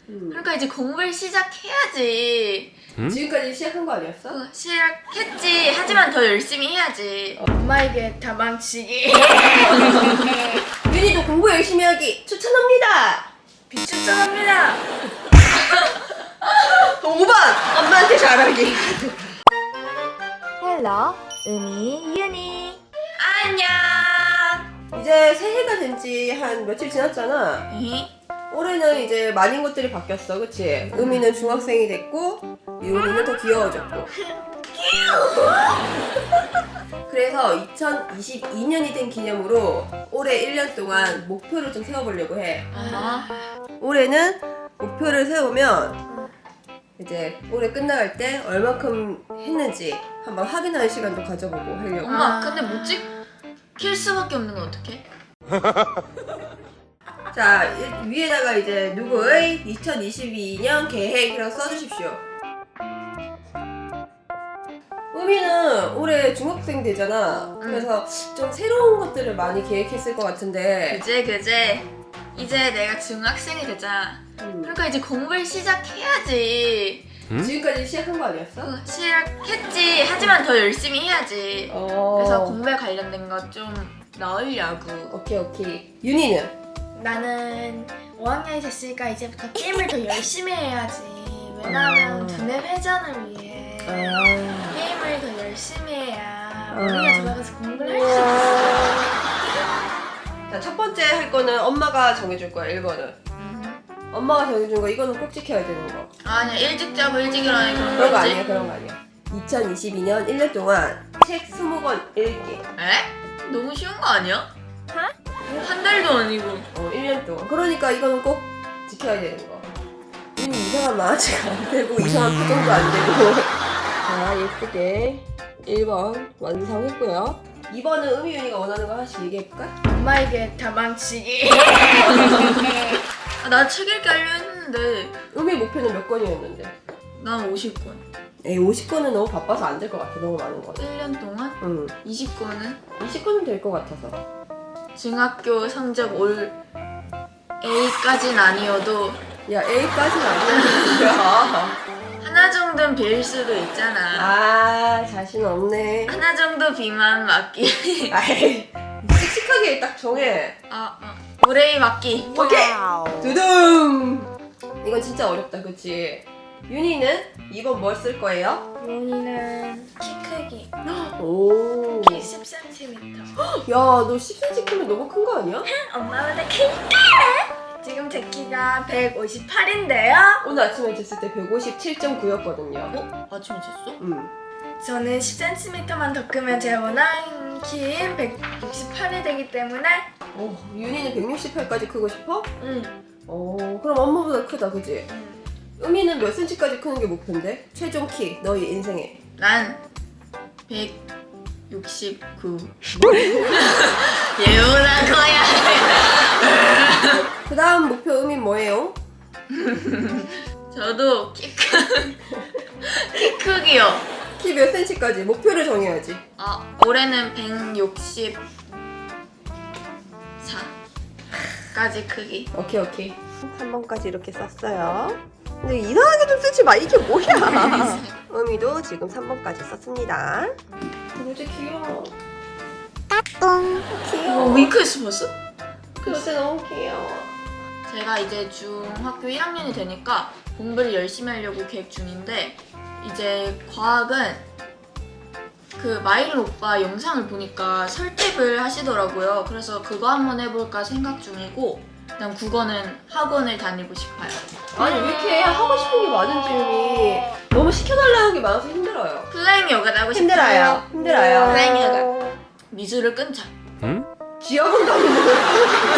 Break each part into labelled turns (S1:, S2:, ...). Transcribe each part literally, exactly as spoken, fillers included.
S1: 음.
S2: 그러니까 이제 공부를 시작해야지.
S1: 음? 지금까지 시작한 거 아니었어?
S2: 어, 시작했지. 하지만 더 열심히 해야지.
S3: 엄마에게 다망치기.
S1: 윤희도 공부 열심히 하기 추천합니다.
S3: 비추천합니다.
S1: 오 번 엄마한테 잘하기.
S3: 헬로, 은희, 윤희.
S2: 안녕.
S1: 이제 새해가 된 지 한 며칠 지났잖아.
S2: 에이?
S1: 올해는 이제 많은 것들이 바뀌었어, 그치? 음이는 중학생이 됐고 윤희는 더 귀여워졌고. 그래서 이천이십이 년이 된 기념으로 올해 일 년 동안 목표를 좀 세워보려고 해.
S2: 아,
S1: 올해는 목표를 세우면 이제 올해 끝나갈 때 얼만큼 했는지 한번 확인하는 시간도 가져보고 하려고.
S2: 엄마, 근데 못 찍힐 수밖에 없는 건 어떡해?
S1: 자, 이- 위에다가 이제 누구의 이천이십이 년 계획이라고 써주십시오. 우미는 올해 중학생 되잖아. 그래서 좀 새로운 것들을 많이 계획했을 것 같은데.
S2: 그제 그제 이제 내가 중학생이 되자.
S1: 음.
S2: 그러니까 이제 공부를 시작해야지.
S1: 지금까지 시작한 거 아니었어?
S2: 어, 시작했지. 하지만 더 열심히 해야지.
S1: 어.
S2: 그래서 공부에 관련된 거 좀 넣으려고.
S1: 오케이 오케이. 윤희는?
S3: 나는 오 학년이 됐으니까 이제부터 게임을 더 열심히 해야지. 왜냐하면
S1: 아.
S3: 두뇌 회전을 위해
S1: 아.
S3: 게임을 더 열심히 해야
S1: 아.
S3: 머리가 돌아가서 공부를 할 수 있어.
S1: 자, 첫 번째 할 거는 엄마가 정해줄 거야, 일 번은. 엄마가 정해준 거 이거는 꼭 지켜야 되는 거.
S2: 아니야, 일찍 자고 일찍 일어나니 그런
S1: 그런 거
S2: 거지?
S1: 아니야, 그런 거 아니야. 이천이십이 년 일 년 동안 책 이십 권 읽기.
S2: 에? 너무 쉬운 거 아니야? 한 달도 아니고.
S1: 어, 일 년 동안. 그러니까 이거는 꼭 지켜야 되는 거. 윤희 이상한 만화책 안 되고 이상한 표정도 안 되고. 자, 예쁘게 일 번 완성했고요. 이 번은 음이 윤희가 원하는 거 하나씩 얘기해볼까?
S3: 엄마에게 다망치기.
S2: 아, 나 책 읽기 하려 했는데
S1: 음이 목표는 몇 권이었는데?
S2: 난 오십 권.
S1: 에이, 오십 권은 너무 바빠서 안 될 것 같아, 너무 많은 거.
S2: 일 년 동안
S1: 응.
S2: 이십 권은
S1: 이십 권은 될 것 같아서.
S2: 중학교 성적 올 A까진 아니어도
S1: 야, A까지는 아니야.
S2: 하나 정도는 B일 수도 있잖아.
S1: 아, 자신 없네.
S2: 하나 정도 B만 맞기.
S1: 아이, 씩씩하게 딱 정해.
S2: 아, 아. 올 A 맞기.
S1: 오케이! 두둥! 이건 진짜 어렵다, 그치? 윤희는 이번 뭐 쓸 거예요?
S3: 윤희는 키 크기.
S1: 오.
S3: 키 십 센티미터.
S1: 야, 너 십 센티미터 크면 너무 큰 거 아니야?
S3: 엄마보다 크니까. 지금 제 키가 백오십팔인데요.
S1: 오늘 아침에 쟀을 때 백오십칠 점 구였거든요.
S2: 어? 아침에 쟀어?
S1: 음.
S3: 저는 십 센티미터만 더 크면 제 원하는 키인 백육십팔이 되기 때문에
S1: 오, 윤희는 백육십팔까지 크고 싶어?
S3: 응.
S1: 오, 그럼 엄마보다 크다, 그치?
S3: 응.
S1: 음이는 몇 센치까지 크는 게 목표인데? 최종 키, 너희 인생에.
S2: 난 백육십구. 예우나 거야.
S1: 그 다음 목표 음이 뭐예요?
S2: 저도 키 크. 키 크기요.
S1: 키 몇 센치까지? 목표를 정해야지.
S2: 아, 올해는 백육십사까지 크기.
S1: 오케이 오케이. 삼 번까지 이렇게 썼어요. 근데 이상하게 좀 쓰지 마. 이게 뭐야? 음이도 지금 삼 번까지 썼습니다. 진짜 귀여워.
S3: 따뚱.
S1: 귀여워.
S2: 윙크했어 벌써?
S1: 글쎄 너무 귀여워.
S2: 제가 이제 중학교 일 학년이 되니까 공부를 열심히 하려고 계획 중인데 이제 과학은 그 마이린 오빠 영상을 보니까 설득을 하시더라고요. 그래서 그거 한번 해볼까 생각 중이고 그다음 국어는 학원을 다니고 싶어요.
S1: 아니 왜 이렇게 하고 싶은 게 많은지 음이 너무 시켜달라는 게 많아서 힘들어요.
S2: 플라잉 요가도 하고 싶어요.
S1: 힘들어요. 힘들어요.
S2: 플라잉 요가. 미술을 끊자.
S1: 지하본 다니는 거야.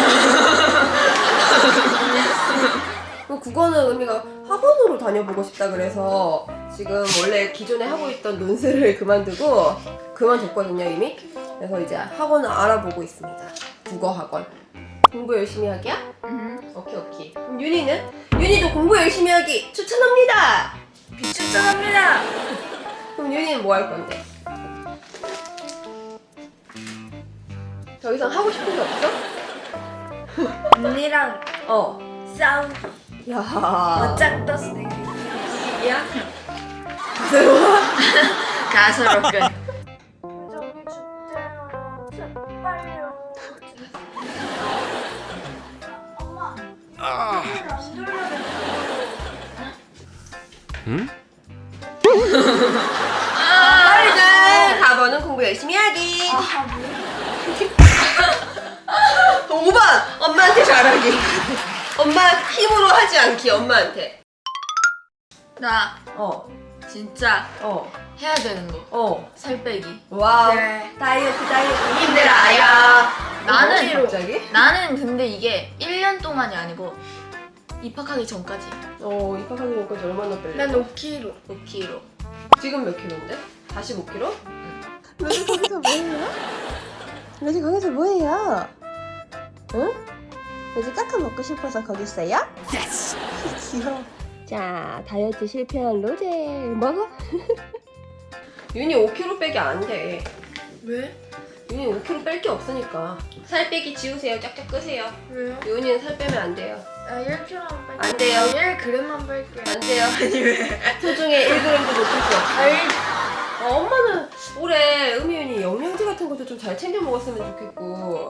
S1: 그 국어는 의미가 학원으로 다녀보고 싶다 그래서 지금 원래 기존에 하고 있던 논술을 그만두고 그만뒀거든요 이미. 그래서 이제 학원을 알아보고 있습니다. 국어 학원. 공부 열심히 하기야?
S2: 음.
S1: 오케이 오케이. 그럼 윤희는? 윤희도 공부 열심히 하기 추천합니다.
S3: 비추천합니다.
S1: 그럼 윤희는 뭐 할 건데? 더 이상 하고 싶은 게 없어?
S3: 언니랑
S1: 어.
S3: 싸우.
S1: 야.
S3: 맞짱 떴어 내가. 야.
S2: 가소롭군.
S3: 저기 주세요. 빨리요. 엄마. 안 돌려야 돼.
S4: 응?
S1: 빨리들 사 번은 공부 열심히 하기.
S3: 아 뭐야?
S1: 오 번 엄마한테 잘하기. 엄마 힘으로 하지 않기 엄마한테.
S2: 나
S1: 어,
S2: 진짜
S1: 어,
S2: 해야 되는 거.
S1: 어.
S2: 살 빼기.
S1: 와우.
S3: 그래.
S1: 다이어트 다이어트 힘들어요.
S2: 나는
S1: 갑자기?
S2: 나는 근데 이게 일 년 동안이 아니고 입학하기 전까지
S1: 어 입학하기 전까지 얼마나 뺄래?
S3: 난 오 킬로그램.
S2: 오 킬로그램.
S1: 지금 몇 킬로인데? 사십오 킬로? 로지 거기서 뭐해요? 로지 거기서 뭐해요? 응? 로지 까까 먹고 싶어서 거기 있어요? 귀여워. 자 다이어트 실패한 로제 먹어? 윤이 오 킬로그램 빼기 안 돼.
S3: 왜?
S1: 윤이 오 킬로그램 뺄 게 없으니까. 살 빼기 지우세요. 짝짝 끄세요.
S3: 왜요?
S1: 윤이는 살 빼면 안 돼요.
S3: 아 일 킬로그램만 뺄게.
S1: 안 돼요.
S3: 일 그램만 뺄게.
S1: 안 돼요. 아니 왜? 소중에 일 그램도 못 뺐어.
S3: 아이.
S1: 어, 엄마는 올해 음이윤이 영양제 같은 것도 좀 잘 챙겨 먹었으면 좋겠고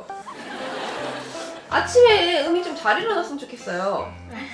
S1: 아침에 음이 좀 잘 일어났으면 좋겠어요.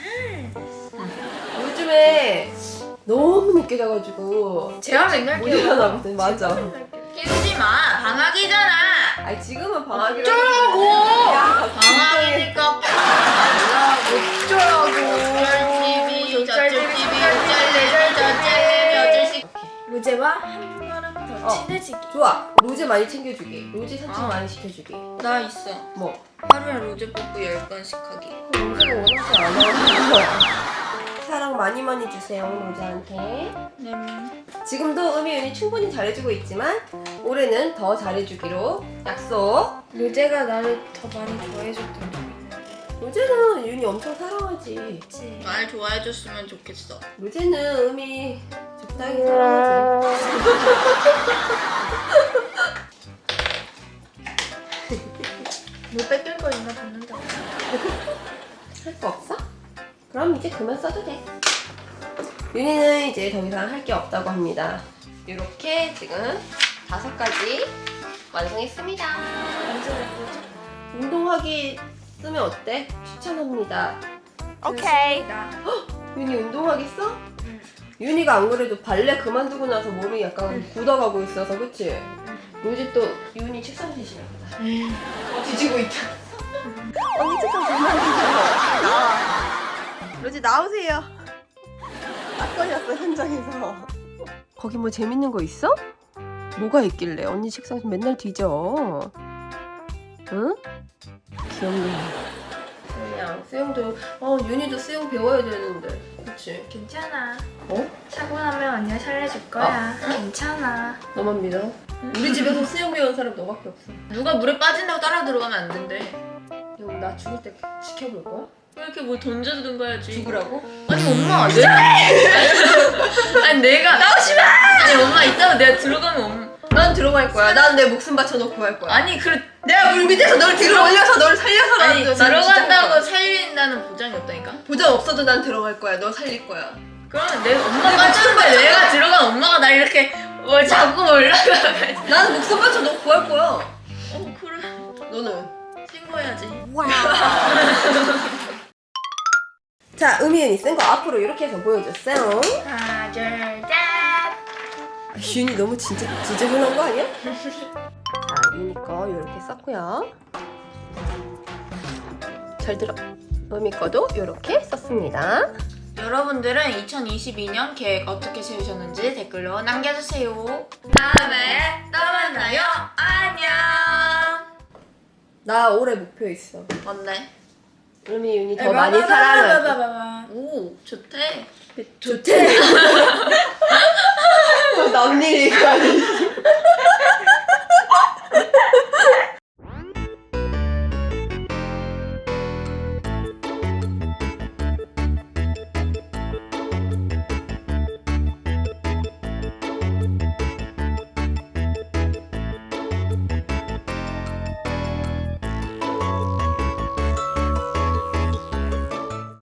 S1: 요즘에 너무 늦게 자가지고
S3: 제가 맨날
S1: 못
S3: 깨워.
S1: 일어나거든. 맞아.
S2: 깨우지 마. 방학이잖아.
S1: 아니 지금은 방학이라
S2: 어쩌라고.
S1: 야,
S2: 방학이니까
S3: 어쩌라고.
S2: 어쩔 티비, 저쩔
S3: 어쩔
S2: 티비,
S3: 티비,
S2: 어쩔 레비, 저쩔 레비, 어쩔 시.
S3: 로제와 한 걸음 더
S1: 어.
S3: 친해지기.
S1: 좋아. 로제 많이 챙겨주기. 로제 산책
S2: 아.
S1: 많이 시켜주기.
S2: 나 있어.
S1: 뭐?
S2: 하루에 로제 뽀뽀 열 번씩 하기.
S1: 로제가 원하지 않아. 사랑 많이 많이 주세요 로제한테.
S2: 네.
S1: 지금도 음이윤이 충분히 잘해주고 있지만 올해는 더 잘해주기로 약속.
S3: 로제가 나를 더 많이 좋아해줬던 적이 있는데.
S1: 로제는 윤이 엄청 사랑하지.
S3: 그치?
S2: 날 좋아해줬으면 좋겠어.
S1: 로제는 음이 적당히 사랑하지.
S3: 뭐 뺏길 거 있나 봤는데.
S1: 할 거 없어? 그럼 이제 그만 써도 돼. 윤이는 이제 더 이상 할 게 없다고 합니다. 이렇게 지금 다섯 가지 완성했습니다.
S3: 완전 예쁘죠?
S1: 운동하기 쓰면 어때? 추천합니다.
S3: 오케이.
S1: 윤이 운동하기 써?
S3: 응.
S1: 윤이가 안 그래도 발레 그만두고 나서 몸이 약간 굳어가고 있어서 그치? 로지 또 윤이 책상 대신에 보다. 어, 뒤지고 있다. 언니 책상 그만두세요. 나와. 로지 나오세요. 딱 걸렸어 현장에서. 거기 뭐 재밌는 거 있어? 뭐가 있길래 언니 책상 맨날 뒤져. 응? 귀엽네. 그냥 수영도 어 윤이도 수영 배워야 되는데 그치?
S3: 괜찮아.
S1: 어?
S3: 사고 나면 언니가 살려줄 거야. 괜찮아.
S1: 너만 믿어? 우리 집에서 수영 배운 사람 너밖에 없어.
S2: 누가 물에 빠진다고 따라 들어가면 안 된대.
S1: 형 나 죽을 때 지켜볼 거야?
S2: 왜 이렇게 뭐 던져주는 거야지.
S1: 죽으라고?
S2: 아니 엄마 내 아니 내가 나오지 마. 아니 엄마 이따가 내가 들어가면 엄마
S1: 난 들어갈 거야. 난 내 목숨 바쳐놓고 할 거야.
S2: 아니 그래
S1: 내가 물 밑에서 널 들어 올려서 널 살려서
S2: 아니
S1: 난- 난 진짜 할
S2: 들어간다고
S1: 거야.
S2: 살린다는 보장이 없다니까.
S1: 보장 없어도 난 들어갈 거야. 너 살릴 거야.
S2: 그러면 내 엄마 빠졌는데 내가 들어간 엄마가 나 이렇게 뭘 자꾸 올라가가지고.
S1: 나는 목숨 바쳐놓고 할 거야.
S2: 어 그래
S1: 너는?
S2: 신고해야지.
S1: 자, 음이윤이 쓴 거 앞으로 이렇게 해서 보여줬어요.
S3: 하나, 둘, 셋.
S1: 아, 윤이 너무 진짜 지저분한 거 아니야? 자, 윤이 거 이렇게 썼고요. 잘 들어. 음이 거도 이렇게 썼습니다.
S2: 여러분들은 이천이십이 년 계획 어떻게 세우셨는지 댓글로 남겨주세요. 다음에 또 만나요. 안녕.
S1: 나 올해 목표 있어.
S2: 뭔데?
S1: 음이 윤이 더 많이 사랑하기.
S3: 사랑하기.
S2: 오 좋대.
S1: 좋대. 남일이 아니지.